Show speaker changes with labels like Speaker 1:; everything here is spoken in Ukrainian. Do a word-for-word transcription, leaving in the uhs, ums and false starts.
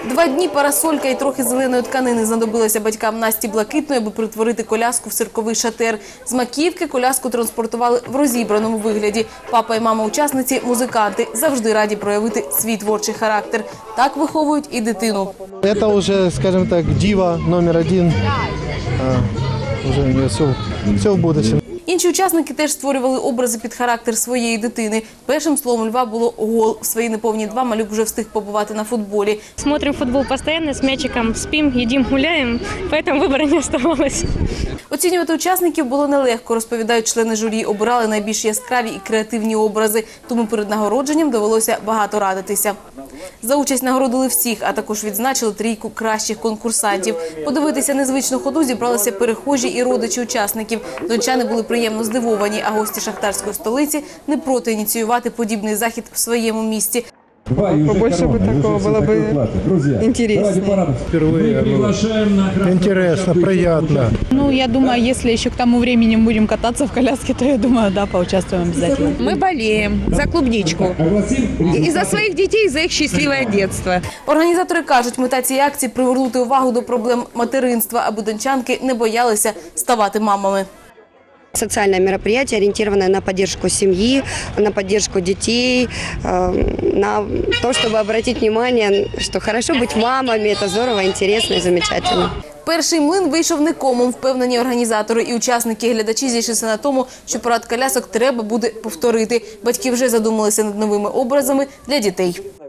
Speaker 1: Два дні парасолька і трохи зеленої тканини знадобилося батькам Насті Блакитної, аби перетворити коляску в цирковий шатер. З Макіївки коляску транспортували в розібраному вигляді. Папа і мама учасниці – музиканти, завжди раді проявити свій творчий характер. Так виховують і дитину.
Speaker 2: Це вже, скажімо так, діва номер один. Вже у неї все, все в будущем.
Speaker 1: Інші учасники теж створювали образи під характер своєї дитини. Першим словом Льва було гол. В свої неповні два малюк вже встиг побувати на футболі.
Speaker 3: Смотрим футбол постійно, з м'ячиком спим, їдимо, гуляємо, тому вибору не залишилось.
Speaker 1: Оцінювати учасників було нелегко, розповідають члени журі. Обирали найбільш яскраві і креативні образи, тому перед нагородженням довелося багато радитися. За участь нагородили всіх, а також відзначили трійку кращих конкурсантів. Подивитися незвичну ходу зібралися перехожі і родичі учасників. Дончани були приємно здивовані, а гості шахтарської столиці не проти ініціювати подібний захід в своєму місті.
Speaker 4: Побольше бы такого было бы интереснее.
Speaker 2: Впервые. Интересно, приятно.
Speaker 5: Ну, я думаю, если еще к тому времени мы будем кататься в коляске, то я думаю, да, поучаствуем обязательно.
Speaker 4: Мы болеем за клубничку. И за своих детей, и за их счастливое детство.
Speaker 1: Організатори кажуть, мета цієї акції – привернути увагу до проблем материнства, аби дончанки не боялися ставати мамами.
Speaker 6: Социальное мероприятие, ориентированное на поддержку семьи, на поддержку детей, на то, чтобы обратить внимание, что хорошо быть мамами, это здорово, интересно и замечательно.
Speaker 1: Перший млин вийшов никомом, впевнені організатори. І учасники, і глядачі зійшлися на тому, що парад колясок треба буде повторити. Батьки вже задумалися над новими образами для дітей.